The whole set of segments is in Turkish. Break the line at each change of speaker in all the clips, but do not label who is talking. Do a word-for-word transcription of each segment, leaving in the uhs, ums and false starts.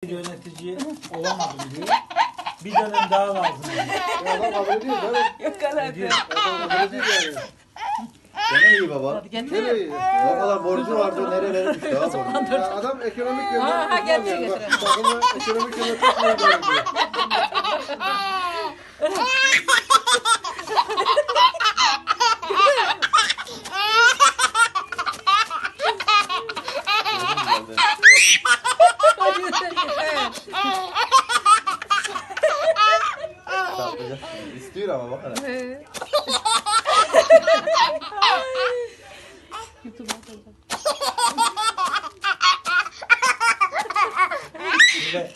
yönetici olamadım diyor. Bir dönem daha lazım diyor.
Ya adam kabul ediyor değil mi?
Yok kadar.
Diyor.
Adam kabul ediyor yani.
Gene iyi baba.
Hadi getir.
Nereye iyi?
O kadar borcu vardı nerelere düştü ha borcu.
Ya adam ekonomik
Ha,
yönden
ha, getir,
uzman yani.
getir.
Bak, takımı ekonomik yönden çok iyi yönetiyor.
Hadi yeter yeter.
Saklayacak. İstiyor ama bak hele.
He. YouTube'a atacağım.
Şöyle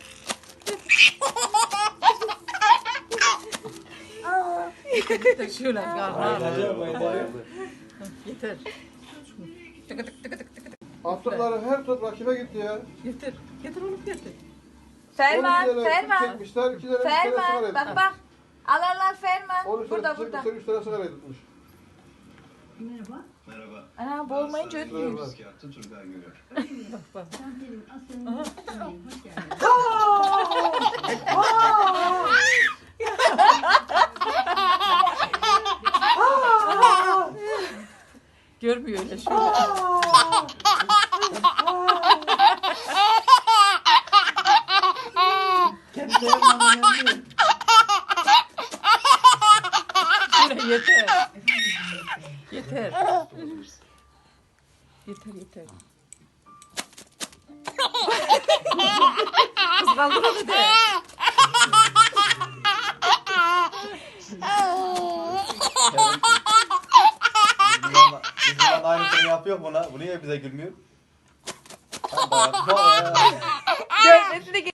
Yeter şöyle karnı
bayılacak, bayılacak.
Bayıldı.
Yeter. Tıkı tık tıkı tık tıkı tık.
Attıkları her top rakibe gitti ya.
Yeter. Yeter oğlum yeter.
Ferman,
on iki tane
Ferman.
çekmişler, iki tane üç tane sigara
Ferman,
etmişler.
bak bak. Al al al Ferman.
on üç
Burada
tane
burada.
çekmişler, üç tane sigara etmiş.
Merhaba.
Merhaba.
Ana bu olmayınca
Merhaba.
ötmüyor.
Kağıtı Turgay görüyor.
Bak bak.
Santelim aslanım. Hoş geldiniz.
Görmüyor öyle şöyle.
kendi yanına yanıyor.
Şöyle yeter. Yeter. Yeter yeter. Kız kaldır onu de.
Bizim yan- bizim yan aynısını yapıyor buna. Bu niye bize gülmüyor? Ha, bak, bak ya.
Gözleri de